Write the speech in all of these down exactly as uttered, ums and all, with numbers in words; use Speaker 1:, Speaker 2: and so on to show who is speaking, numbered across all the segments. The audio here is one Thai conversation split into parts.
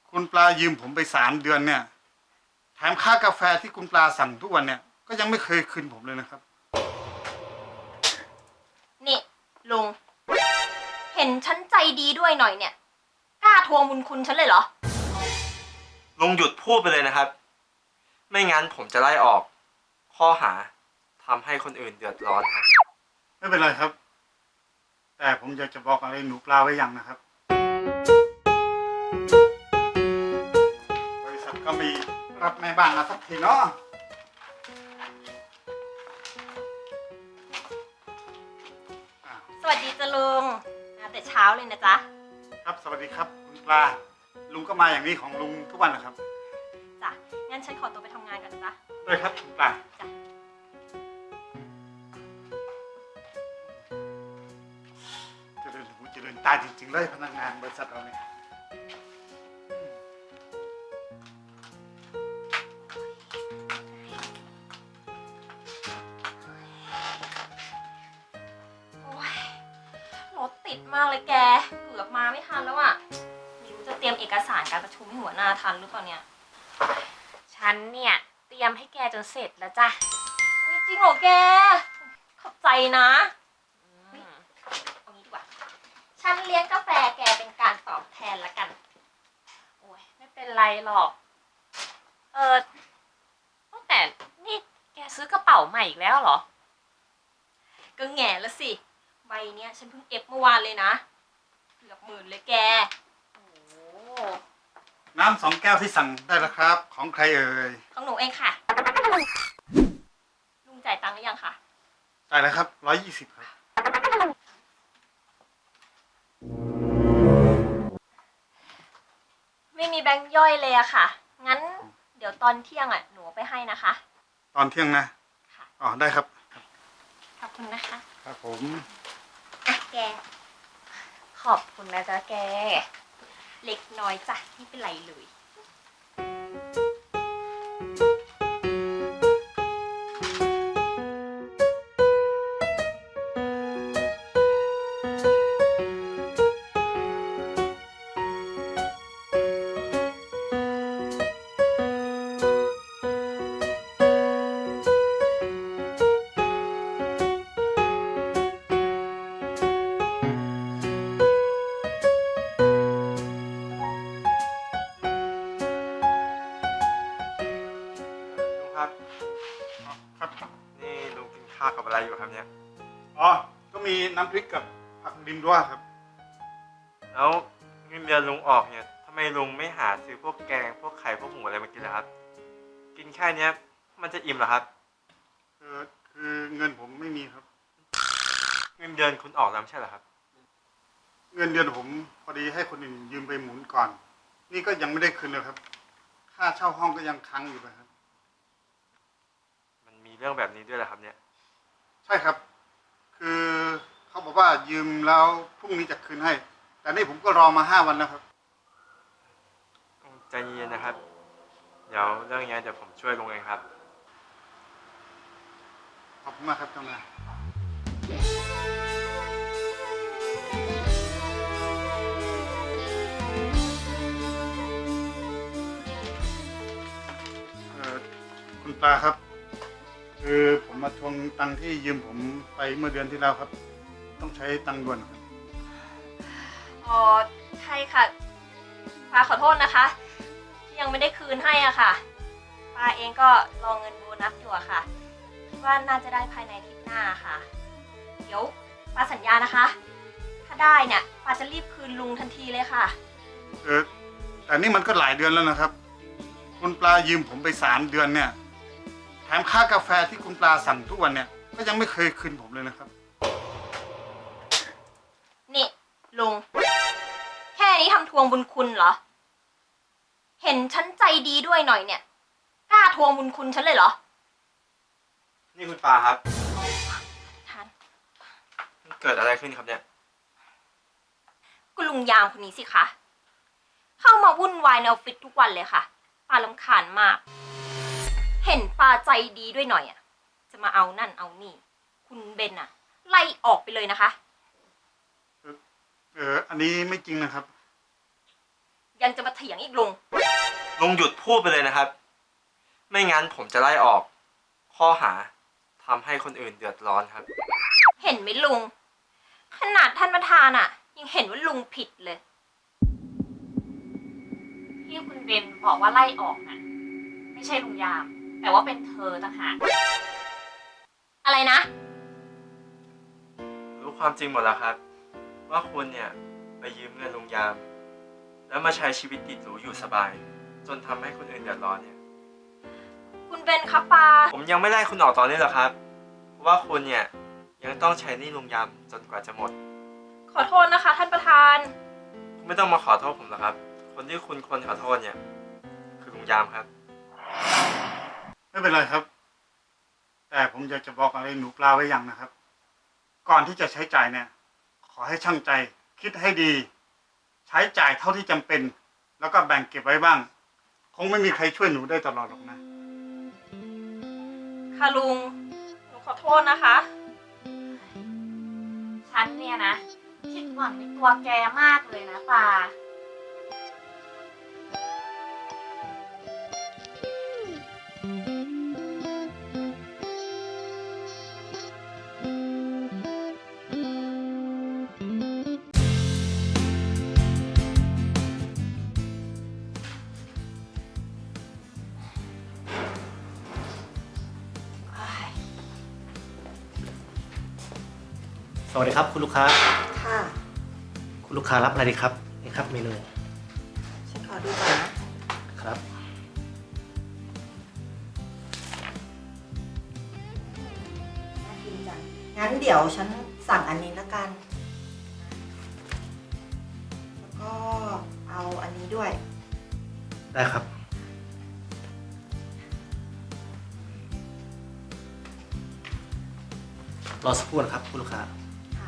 Speaker 1: คุณปลายืมผมไปสามเดือนเนี่ยแถมค่ากาแฟที่คุณปลาสั่งทุกวันเนี่ยก็ยังไม่เคยคืนผมเลยนะครับ
Speaker 2: นี่ลุงเห็นฉันใจดีด้วยหน่อยเนี่ยกล้าทวงบุญคุณฉันเลยเหรอ
Speaker 3: ลุงหยุดพูดไปเลยนะครับไม่งั้นผมจะไล่ออกข้อหาทำให้คนอื่นเดือดร้อนครับ
Speaker 1: ไม่เป็นไรครับ แต่ผมอยากจะบอกอะไรหนูปลาไว้อย่างนะครับบริษัทก็มีรับแม่บ้านมาสักทีเนาะ
Speaker 2: สวัสดีจ้ะลุงมาแต่เช้าเลยนะจ๊ะ
Speaker 1: ครับสวัสดีครับคุณปลาลุงก็มาอย่างนี้ของลุงทุกวันนะครับ
Speaker 2: จ้ะงั้นฉันขอตัวไปทำงานก่อนนะจ๊ะ
Speaker 1: ด้วยครับคุณปลา
Speaker 2: จ้ะ
Speaker 1: เจริญหูเจริญตาจริงๆเลยพนักงานบริษัทเราเนี่ย
Speaker 2: โอ้ยรถติดมากเลยแกเกือบมาไม่ทันแล้วอ่ะไม่รู้จะเตรียมเอกสารการประชุมให้หัวหน้าทันหรือเปล่าเนี่ย
Speaker 4: ฉันเนี่ยเตรียมให้แกจนเสร็จแล้วจ้ะ
Speaker 2: จริงเหรอแกขอบใจนะเอางี้ดีกว่าฉันเลี้ยงกาแฟแกเป็นการตอบแทนละกัน
Speaker 4: โอ้ยไม่เป็นไรหรอกเออตั้งแต่นี่แกซื้อกระเป๋าใหม่อีกแล้วเหรอ
Speaker 2: ก็แง่ละสิใบเนี้ยฉันเพิ่งเอฟเมื่อวานเลยนะเกือบหมื่นเลยแก
Speaker 4: โอ้
Speaker 1: น้ำสองแก้วที่สั่งได้แล้วครับของใครเอ่ย
Speaker 2: ของหนูเองค่ะลุงจ่ายตังค์หรือยังคะ
Speaker 1: จ่ายแล้วครับร้อยยี่สิบครับ
Speaker 2: ไม่มีแบงค์ย่อยเลยอะค่ะงั้นเดี๋ยวตอนเที่ยงอะหนูไปให้นะคะ
Speaker 1: ตอนเที่ยงนะ
Speaker 2: ค่ะ
Speaker 1: อ๋อได้ครับ
Speaker 2: ขอบคุณนะคะ
Speaker 1: ครับผม
Speaker 2: อ่ะแก
Speaker 4: ขอบคุณนะจ๊ะแก
Speaker 2: เล็กน้อยจ้ะไม่เป็นไรเลย
Speaker 1: ครับ
Speaker 3: นี่ลุงกินข้าวกับอะไรอยู่ครับเนี่ย
Speaker 1: อ๋อก็มีน้ำพริกกับผักดิมด้วยครับ
Speaker 3: แล้วเงินเดือนลุงออกเนี่ยทำไมลุงไม่หาซื้อพวกแกงพวกไข่พวกหมูอะไรมากินล่ะครับกินแค่นี้มันจะอิ่มเหรอครับ
Speaker 1: เออคือเงินผมไม่มีครับ
Speaker 3: เงินเดือนคุณออกแล้วไม่ใช่เหรอครับ
Speaker 1: เงินเดือนผมพอดีให้คนอื่นยืมไปหมุนก่อนนี่ก็ยังไม่ได้คืนเลยครับค่าเช่าห้องก็ยังค้างอยู่เลยครับ
Speaker 3: มันมีเรื่องแบบนี้ด้วยเหรอครับเนี่ย
Speaker 1: ใช่ครับคือเขาบอกว่ายืมแล้วพรุ่งนี้จะคืนให้แต่นี่ผมก็รอมาห้าวันแล้วครับ
Speaker 3: ใจเย็นนะครับเดี๋ยวเรื่องนี้เดี๋ยวผมช่วยลุงเองครับ
Speaker 1: ขอบคุณมากครับเจ้านายเอ่อคุณปลาครับคือผมมาทวงตังค์ที่ยืมผมไปเมื่อเดือนที่แล้วครับต้องใช้ตังค์ด่วนครับ
Speaker 2: อ๋อใช่ค่ะปาขอโทษนะคะที่ยังไม่ได้คืนให้อ่ะค่ะปาเองก็รอเงินโบนัสอยู่อะค่ะคิดว่าน่าจะได้ภายในอาทิตย์หน้าค่ะเดี๋ยวปาสัญญานะคะถ้าได้เนี่ยปาจะรีบคืนลุงทันทีเลยค่ะ
Speaker 1: เออแต่นี่มันก็หลายเดือนแล้วนะครับคุณปลายืมผมไปสามเดือนเนี่ยแถมค่ากาแฟที่คุณปลาสั่งทุกวันเนี่ยก็ยังไม่เคยคืนผมเลยนะครับ
Speaker 2: นี่ลุงแค่นี้ทำทวงบุญคุณเหรอเห็นฉันใจดีด้วยหน่อยเนี่ยกล้าทวงบุญคุณฉันเลยเหรอ
Speaker 3: นี่คุณปาครับ
Speaker 2: ท่าน
Speaker 3: เกิดอะไรขึ้นครับเนี่ย
Speaker 2: คุณลุงยามคนนี้สิคะเข้ามาวุ่นวายในออฟฟิศทุกวันเลยค่ะปารำคาญมากเห็นปาใจดีด้วยหน่อยอ่ะจะมาเอานั่นเอานี่คุณเบนอ่ะไล่ออกไปเลยนะคะ
Speaker 1: เอออันนี้ไม่จริงนะครับ
Speaker 2: ยังจะมาเถียงอีกลุง
Speaker 3: ลุงหยุดพูดไปเลยนะครับ ไม่งั้นผมจะไล่ออก ข้อหาทำให้คนอื่นเดือดร้อนครับ
Speaker 2: เห็นไหมลุง ขนาดท่านประธานอะยังเห็นว่าลุงผิดเลย
Speaker 4: ที่คุณเบนบอกว่าไล่ออกน่ะไม่ใช่ลุงยาม แต่ว่าเป็นเธอต่างหาก
Speaker 2: อะไรนะ
Speaker 3: รู้ความจริงหมดแล้วครับ ว่าคุณเนี่ยไปยืมเงินลุงยาม แล้วมาใช้ชีวิตติดหรูอยู่สบาย จนทำให้คนอื่นเดือดร้อนเนี่ย
Speaker 2: คุณเบนครับปา
Speaker 3: ผมยังไม่ไล่คุณออกตอนนี้หรอกครับ เพราะว่าคุณเนี่ยยังต้องใช้หนี้ลุงยามจนกว่าจะหมด
Speaker 2: ขอโทษนะคะ ท่านประธาน
Speaker 3: คุณไม่ต้องมาขอโทษผมหรอกครับ คนที่คุณควรขอโทษเนี่ยคือลุงยามครับ
Speaker 1: ไม่เป็นไรครับ แต่ผมอยากจะบอกอะไรหนูปลาไว้อย่างนะครับ ก่อนที่จะใช้จ่ายเนี่ย ขอให้ช่างใจ คิดให้ดี ใช้จ่ายเท่าที่จำเป็น แล้วก็แบ่งเก็บไว้บ้าง คงไม่มีใครช่วยหนูได้ตลอดหรอกนะ
Speaker 2: ค่ะลุง หนูขอโทษนะคะ
Speaker 4: ฉันเนี่ยนะผิดหวังในตัวแกมากเลยนะปา
Speaker 5: สวัสดีครับคุณลูกค้า
Speaker 6: ค่ะ
Speaker 5: คุณลูกค้ารับอะไรดีครับนี่ครับเมนู
Speaker 6: ฉันขอดูก่อนนะครับ น่ากินจัง งั้นเดี๋ยวฉันสั่งอันนี้ละกัน แล้วก็เอาอันนี้ด้วย
Speaker 5: ได้ครับรอสักครู่นะครับคุณลูกค้า
Speaker 6: ค่ะ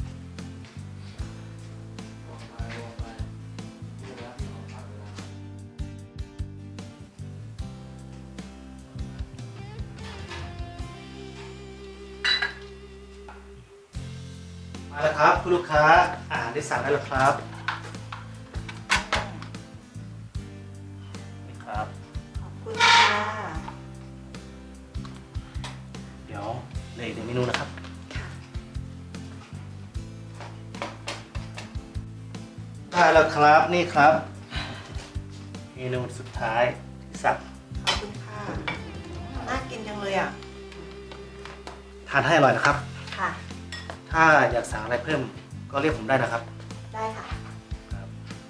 Speaker 5: มาแล้วครับคุณลูกค้าอาหารได้สั่งได้แล้วครับนี่ครับ
Speaker 6: ขอบคุณค่ะ
Speaker 5: เดี๋ยวเหลืออีกหนึ่งเมนูนะครับ
Speaker 6: ค่ะ
Speaker 5: ได้แล้วครับนี่ครับ เมนูสุดท้ายที่สั่ง
Speaker 6: ขอบคุณค่ะ น่ากินจังเลยอ่ะ
Speaker 5: ทานให้อร่อยนะครับ
Speaker 6: ค่ะ
Speaker 5: ถ้าอยากสั่งอะไรเพิ่มก็เรียกผมได้นะครับ
Speaker 6: ได้ค่ะ
Speaker 5: ครับ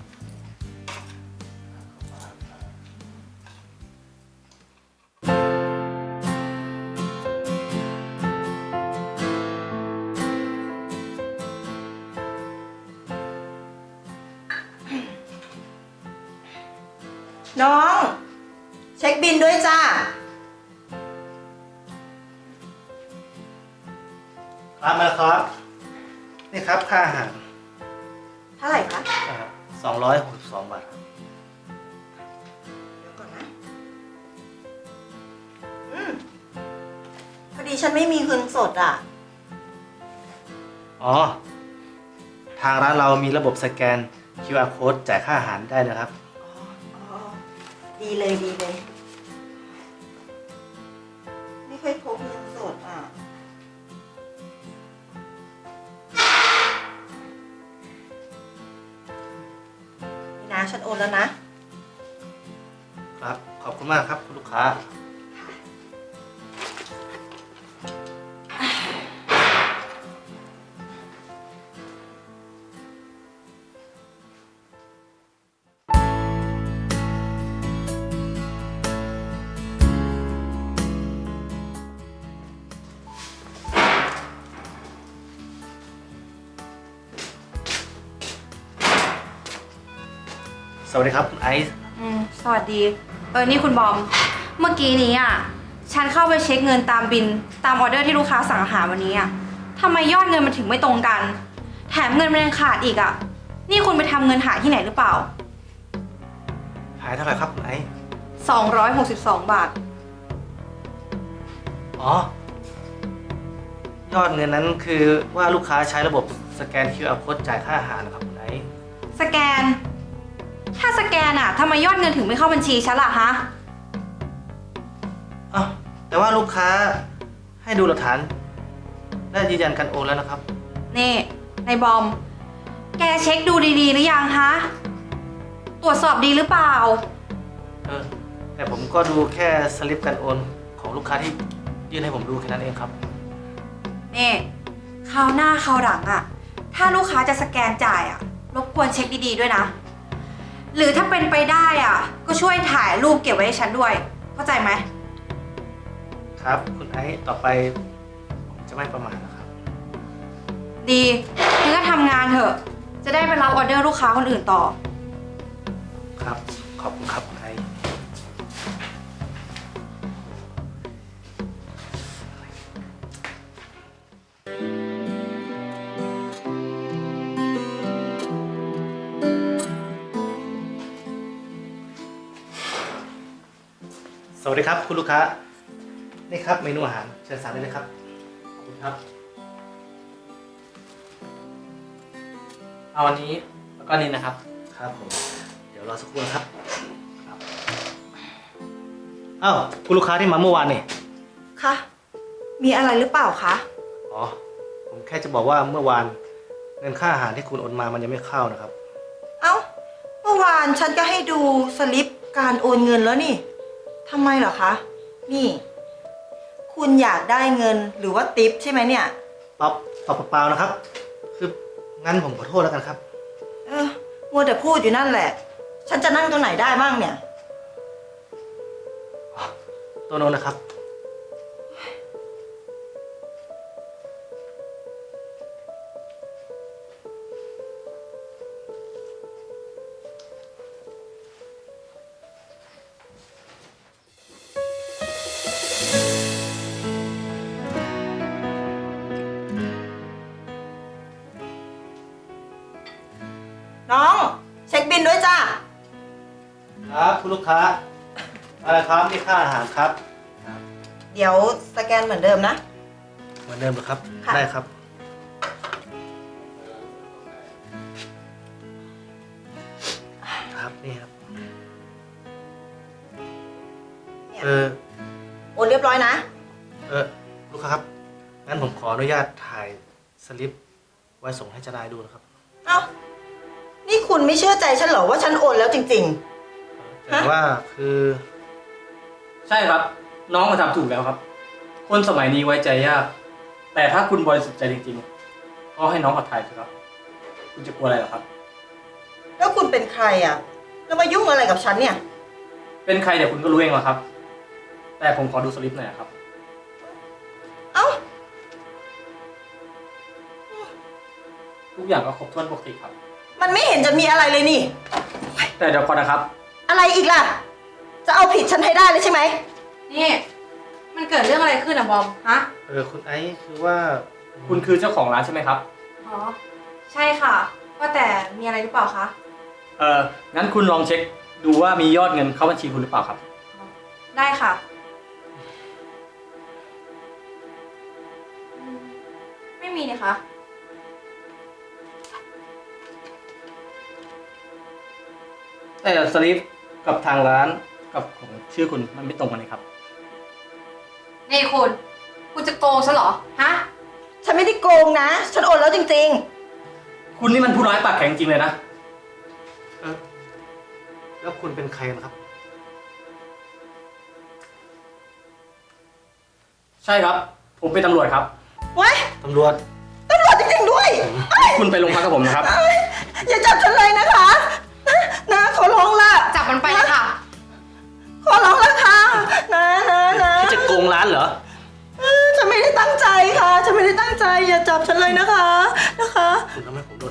Speaker 6: น้อง เช็คบินด้วยจ้า
Speaker 5: ครับมาแล้วครับนี่ครับค่าอาหาร
Speaker 6: เท่าไหร่คะ
Speaker 5: สองร้อยหกสิบสองบาทครับ
Speaker 6: เดี๋ยวก่อนนะ อืม พอดีฉันไม่มีเงินสดอ่ะ
Speaker 5: อ๋อ ทางร้านเรามีระบบสแกน คิว อาร์ code จ่ายค่าอาหารได้นะครับ
Speaker 6: อ๋ออ๋อ ดีเลยดีเลย ไม่ค่อยพกเงินสดอ่ะ นี่นะฉันโอนแล้วนะ
Speaker 5: ครับ ขอบคุณมากครับคุณลูกค้า สวัสดีครับคุณไอซ์
Speaker 7: อืมสวัสดี เออ นี่คุณบอม เมื่อกี้นี้อ่ะ ฉันเข้าไปเช็คเงินตามบิน ตามออเดอร์ที่ลูกค้าสั่งอาหารวันนี้อ่ะทำไมยอดเงินมันถึงไม่ตรงกัน แถมเงินมันยังขาดอีกอ่ะ นี่คุณไปทำเงินหายที่ไหนหรือเปล่า
Speaker 5: หายเท่าไหร่ครับคุณไอซ์
Speaker 7: สองร้อยหกสิบสอง บาท
Speaker 5: อ๋อ ยอดเงินนั้นคือว่าลูกค้าใช้ระบบสแกน คิว อาร์ code จ่ายค่าอาหารนะครับคุณไอซ์
Speaker 7: สแกน ถ้าสแกกนอะทำไมยอดเงินถึงไม่เข้าบัญชีฉันล่ะฮะ
Speaker 5: อ้าวแต่ว่าลูกค้าให้ดูหลักฐานและยืนยันการโอนแล้วนะครับ
Speaker 7: นี่นายบอม แกเช็คดูดีๆหรือยังฮะ ตรวจสอบดีหรือเปล่า
Speaker 5: เออแต่ผมก็ดูแค่สลิปการโอนของลูกค้าที่ยื่นให้ผมดูแค่นั้นเองครับ
Speaker 7: นี่คราวหน้าคราวหลังอะถ้าลูกค้าจะสแกนจ่ายอะรบกวนเช็คดีๆด้วยนะ หรือถ้าเป็นไปได้อะก็ช่วยถ่ายรูปเก็บไว้ให้ฉันด้วย เข้าใจไหม
Speaker 5: ครับคุณไอซ์ต่อไปผมจะไม่ประมาทนะครับ
Speaker 7: ดีงั้นก็ทำงานเถอะ จะได้ไปรับออเดอร์ลูกค้าคนอื่นต่อ
Speaker 5: ครับ ขอบคุณครับคุณไอซ์สวัสดีครับคุณลูกค้า นี่ครับเมนูอาหารเชิญสั่งได้เลยครับ ขอบคุณครับ
Speaker 8: เอาอันนี้แล้วก็นี่นะครับ
Speaker 5: ครับผม เดี๋ยวรอสักครู่นะครับ ครับอ้าวคุณลูกค้าที่มาเมื่อวานนี่
Speaker 6: คะ มีอะไรหรือเปล่าคะ
Speaker 5: อ๋อ ผมแค่จะบอกว่าเมื่อวานเงินค่าอาหารที่คุณโอนมามันยังไม่เข้านะครับ
Speaker 6: เอ้า เมื่อวานฉันก็ให้ดูสลิปการโอนเงินแล้วนี่ทำไมเหรอคะ นี่ คุณอยากได้เงินหรือว่าติปใช่ไหมเนี่ย
Speaker 5: ป๊อปตอบเปล่าๆนะครับ คืองั้นผมขอโทษแล้วกันครับ
Speaker 6: เออ มัวแต่พูดอยู่นั่นแหละ ฉันจะนั่งตรงไหนได้บ้างเนี่ย
Speaker 5: ตัวโน้นนะครับ
Speaker 6: น้องเช็คบินด้วยจ้า
Speaker 5: ครับคุณลูกค้าอะไรครับนี่ค่าอาหารครับ
Speaker 6: เดี๋ยวสแกนเหมือนเดิมนะ
Speaker 5: เหมือนเดิมเหรอครับ
Speaker 6: ค่ะ
Speaker 5: ได้ครับ ครับนี่ครับ
Speaker 6: เนี่ย
Speaker 5: เออ
Speaker 6: โอนเรียบร้อยนะ
Speaker 5: เออลูกค้าครับ งั้นผมขออนุญาตถ่ายสลิปไว้ส่งให้เจ้านายดูนะครับ
Speaker 6: เอ้า นี่คุณไม่เชื่อใจฉันเหรอว่าฉันโอนแล้วจริง
Speaker 5: แต่ว่าคือ
Speaker 8: ใช่ครับ น้องมาทำถูกแล้วครับ คนสมัยนี้ไว้ใจยาก แต่ถ้าคุณบริสุทธิ์ใจจริงๆก็ให้น้องขอถ่ายเถอะครับ คุณจะกลัวอะไรหรอครับ
Speaker 6: ๆ แล้วคุณเป็นใครอ่ะ แล้วมายุ่งอะไรกับฉันเนี่ย
Speaker 8: เป็นใครเดี๋ยวคุณก็รู้เองหรอกครับ แต่ผมขอดูสลิปหน่อยครับ
Speaker 6: เอ้า
Speaker 8: ทุกอย่างก็ครบถ้วนปกติครับ
Speaker 6: มันไม่เห็นจะมีอะไรเลยนี่
Speaker 8: แต่เดี๋ยวก่อนนะครับ
Speaker 6: อะไรอีกล่ะ จะเอาผิดฉันให้ได้เลยใช่ไหม
Speaker 7: นี่ มันเกิดเรื่องอะไรขึ้นอะบอม ฮะ
Speaker 5: เออคุณไอซ์คือว่า
Speaker 8: คุณคือเจ้าของร้านใช่ไหมครับ
Speaker 7: อ๋อ ใช่ค่ะ ว่าแต่มีอะไรหรือเปล่าคะ
Speaker 8: เอองั้นคุณลองเช็คดูว่ามียอดเงินเข้าบัญชีคุณหรือเปล่าครับ
Speaker 7: ได้ค่ะอืมไม่มีนะคะ
Speaker 8: แต่สลิปกับทางร้านกับของชื่อคุณมันไม่ตรงกันเลยครับ
Speaker 7: นี่คุณ คุณจะโกงฉันเหรอ ฮะ
Speaker 6: ฉันไม่ได้โกงนะ ฉันโอนแล้วจริง
Speaker 8: คุณนี่มันผู้ร้ายปากแข็งจริงเลยนะ
Speaker 5: เออแล้วคุณเป็นใครนะครับ
Speaker 8: ใช่ครับ ผมเป็นตำรวจครับ
Speaker 6: ๆ เว้ย
Speaker 5: ตำรวจ
Speaker 6: ตำรวจจริงๆด้วย
Speaker 8: คุณไปโรงพักกับผมนะครับ
Speaker 6: อย่าจับฉันเลยนะคะ นะขอร้องละ
Speaker 7: จับมันไปเลยค่ะ
Speaker 6: ขอร้องละค่ะนะนะนะ
Speaker 5: ที่จะโกงร้านเหรอ
Speaker 6: เออฉันไม่ได้ตั้งใจค่ะ ฉันไม่ได้ตั้งใจ อย่าจับฉันเลยนะคะ นะคะ
Speaker 5: คุณทำให้ผมโดน